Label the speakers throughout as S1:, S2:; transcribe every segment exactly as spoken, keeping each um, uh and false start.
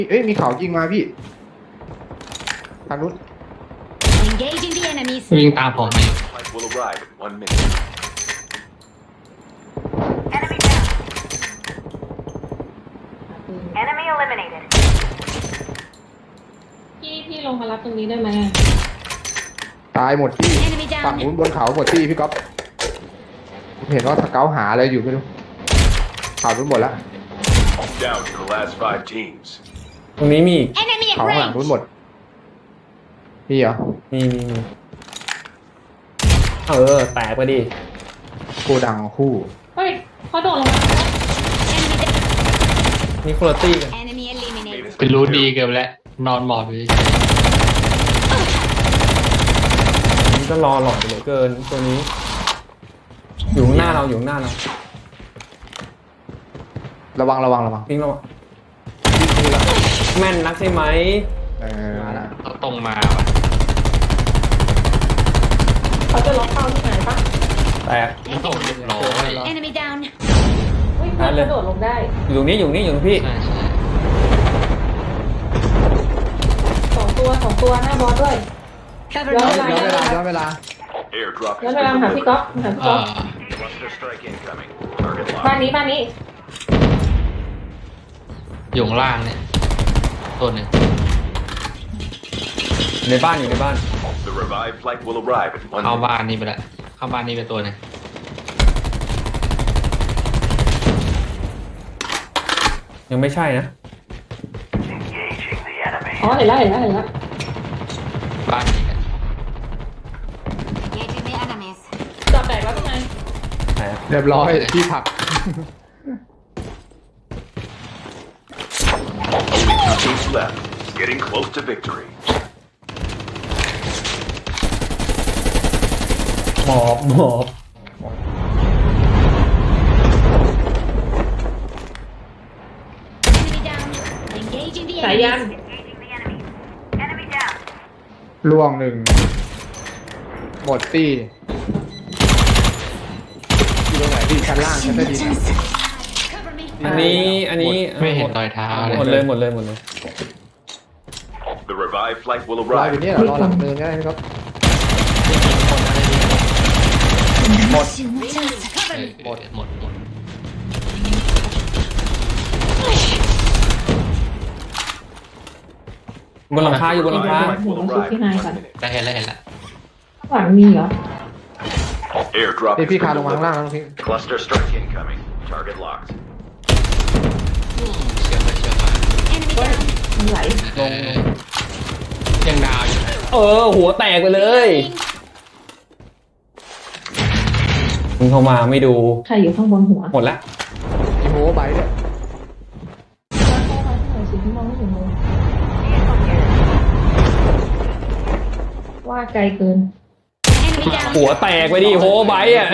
S1: เอ้ยมีเขายิงมาพี่ทางนู้น
S2: Engaging the enemies.
S3: วิ่งตามผมไป
S4: Flight will arrive in one minute.
S5: Enemy down. Enemy eliminated.
S6: พี่พี่ลงมารับตรงนี้ได้ไหมอะ
S1: ตายหมดที่
S2: Enemy
S1: ฝั่ง
S2: down.
S1: นู้นบนเขาหมดที่พี่ก๊อฟผมเห็นว่าสเกาหาอะไรอยู่ไม่รู้เขานู้นหมดแล้ว
S4: Down to the last five teams.
S7: ตรงนี้มีอีก
S2: Enemy at
S1: เขาข้างหลังนู้น
S2: range.
S1: หมดมีเหรอ
S7: มีมีมีเออ แตกไปดิ
S1: โกดังคู่
S6: เฮ้ยเขาโดดลงมา
S2: Enemy down.
S7: นี่คุณภาพกัน
S2: Enemy eliminated.
S3: เป็นรู้ดีเกินไปแล้วนอนหมอบอยู่
S7: นี่ก็รอหลอดเหลือเกินตัวนี้ อยู่ข้างหน้าเราอยู่ข้างหน้าเรา
S1: ระวังระวังระวัง
S7: วิ่งเราแม่นนักใช่ไหม
S1: เออมาละ
S3: เขาตรงมาว่ะ
S6: เขาจะล็อกเข้าที่ไหนปะ
S7: แตก
S3: เขาตรงเรียบร้อย
S2: Enemy down.
S6: เฮ้ยเพื่อนกระโดดลงได้
S7: อยู่ตรงนี้อยู่ตรงนี้อยู่ตรงพี่
S3: ใช่ใช่
S6: สองตัวสองตัวหน้าบอสด้วย
S2: Cover
S6: ย้อน
S2: me.
S6: เวลา
S1: ย้อนเวลาย้อนเวลา
S4: Airdrop
S6: ย้อน
S4: has
S6: เวลา
S4: been
S6: มาหาพี่ก๊อฟ
S4: delivered.
S6: มาหาพี่
S3: เอ
S6: ก๊อฟ
S3: อ
S4: Cluster strike incoming. Target
S6: บ้าน
S4: locked.
S6: นี้บ้านนี้
S3: อยู่ข้างล่างเนี่ยตัวหนึ่ง
S7: ในบ้านอยู่ในบ้าน
S4: The revived flight will arrive in one
S3: เข้า
S4: minute.
S3: บ้านนี่ไปละเข้าบ้านนี่ไปตัวหนึ่ง
S7: ยังไม่ใช่นะ
S4: Engaging the enemy.
S6: อ๋อเห็นแล้วเห็นแล้วเห็นแล้ว
S3: บ้านนี้กัน
S2: Engaging the enemies.
S6: จับแตกแล้วเป็นไง
S7: แตก
S1: เรียบร้อยที่ผัก
S4: Two teams left. Getting close to victory.
S7: หมอบหมอบ
S2: Enemy down. Engaging the
S6: สายยัน
S2: enemies.
S5: Engaging the enemy. Enemy down.
S1: ล่วงหนึ่งหมดตี้อยู่ตรงไหนพี่ชั้นล่างชั้นใต้ดินอะ
S2: Cover me.
S7: อันนี้อันนี้
S3: ไม่เห็นรอยเท้าเลย
S7: หมดเลยหมดเลยหมดเลย
S4: The revived flight will
S1: รออยู่
S4: arrive.
S1: เนี่ยเหรอรอหลังเนินก็ได้พี่ก๊อฟ
S7: หมด
S2: Cover
S3: เออ
S2: me.
S3: หมดหมดหมด
S7: บนหลังคาอยู่บนหลังคา
S4: Flight will arrive in one minute.
S3: ได้เห็นแล้วเห็นแล้ว
S6: ข้างหลังมีเหรอ
S4: Airdrop
S1: นี่
S4: has
S1: พี่
S4: been
S1: คานลงมาข้างล่าง
S4: delivered.
S1: แล้วพี่
S4: Cluster strike incoming. Target locked.
S3: เชื่อไปเชื่อมา
S2: Enemy down.
S6: มันไหล
S3: เออยังดาวอยู่นะ
S7: เออ หัวแตกไปเลยมึงเข้ามาไม่ดู
S6: ใครอยู่ข้างบนหัว
S7: หมดละ
S1: มีโหใบด้วย
S6: เข้ามาที่ไหนสิที่มองไม่เห็นเลยว่าไกลเกิน
S2: Enemy down.
S7: หัวแตกไปดิโฮไบต์อ่ะ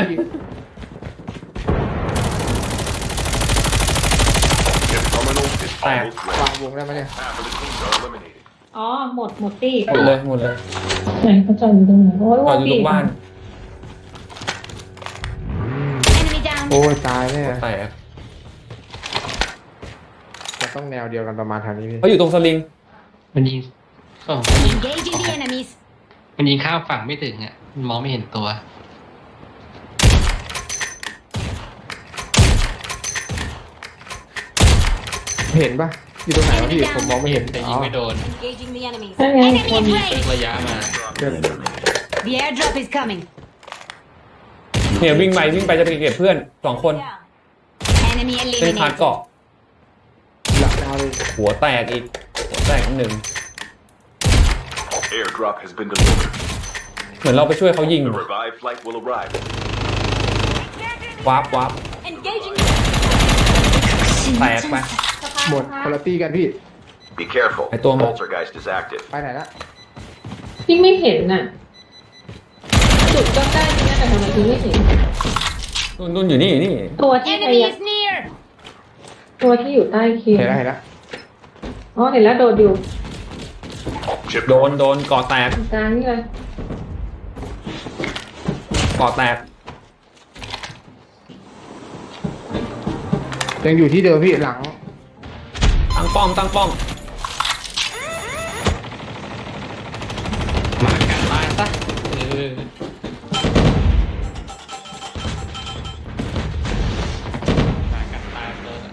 S4: Chip terminal is
S7: Fire.
S4: almost
S1: วาง
S4: ready.
S1: วงได้ไหมเนี่ย
S4: Half of the teams are eliminated.
S6: อ๋อหมดหมดตี้
S7: หมดเลยหมดเลย
S6: ไหนเขาจอดอยู่ตรงไหนโอ้ย
S7: จอ
S6: ว่า
S7: ดอยู่ตรงบ้าน
S2: Enemy down.
S1: โอ้ยตายแน่
S7: หัวแตก
S1: จะต้องแนวเดียวกันประมาณทางนี้พี่
S7: เขาอยู่ตรงสลิง
S3: มันยิงเออมันยิง
S2: Engaging the enemies.
S3: มันยิงข้ามฝั่งไม่ถึงอ่ะมันมองไม่เห็นตัว
S1: เห็นปะอยู่ตรงไหนวะพี่ผมมองไม่เห็น
S3: แต่
S1: อ๋
S3: ยิ
S1: อง
S3: ไม่โดน
S2: Engaging the enemies.
S6: นั่นไง
S2: Enemy
S6: คน
S2: at
S3: ตึก
S2: range.
S3: ระยะมา
S1: เดิน
S2: The airdrop is coming.
S7: เนี่ยวิ่งไปวิ่งไปจะไปเก็บเพื่อนสองคน
S2: Enemy
S7: เล่นคาร์ด
S2: eliminated.
S7: เกาะ
S1: หลักดาวเลย
S7: หัวแตกอีก หัวแตกอีกหนึ่ง
S4: Airdrop has been delivered.
S7: เหมือนเราไปช่วยเขายิง
S4: The revived flight will arrive.
S7: วาร์ปวาร์ป
S2: Engaging.
S7: แตกไป
S1: หมดคุณภาพกันพี่
S4: Be careful.
S7: Ay, toma.
S4: Poltergeist is active.
S1: ไปไหนละ
S6: พี่ไม่เห็นน่ะ จุดก็ใกล้ที่นั่นแต่ทำไมพี่ไม่เห็น
S7: นุ่นนุ่นอยู่นี่อยู่นี่
S6: ตัวที่พ
S2: Enemy
S6: ยายาม
S2: is near.
S6: ตัวที่อยู่ใต้เคียง
S1: เห็นแล้วเห็นแล้ว
S6: อ๋อเห็นแล้วโดดอยู่
S4: Chip
S7: โดนโดนเกาะแตก
S6: กลางนี่เลย
S7: เกาะแตก
S1: ยังอยู่ที่เดิมพี่หลัง
S7: ตั้งป้อมตั้งป้อม
S3: อ ตายกันตายเติร์ดอะ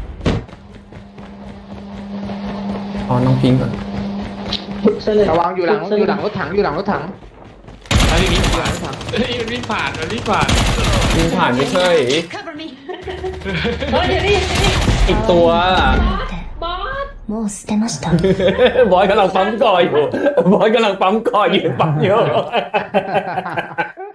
S7: อ๋อน้องพิงก่อน
S6: หลุดซะเลย
S1: ระวังอยู่หลังอยู่หลังรถถังอยู่หลังรถถัง
S3: ถ้าพี่วิ่งผ่านเฮ้ยมันวิ่งผ่านมันวิ่งผ่าน
S7: ยิงผ่านไม่ใช่
S2: Cover me.
S6: เฮ้ยเดี๋ยวนี้เดี๋ยวนี้
S7: อีกตัว
S6: บอส
S2: もう捨てました。
S7: บอยกำลังปั๊มก่ออยู่ บอยกำลังปั๊มก่ออยู่ปั๊มอยู่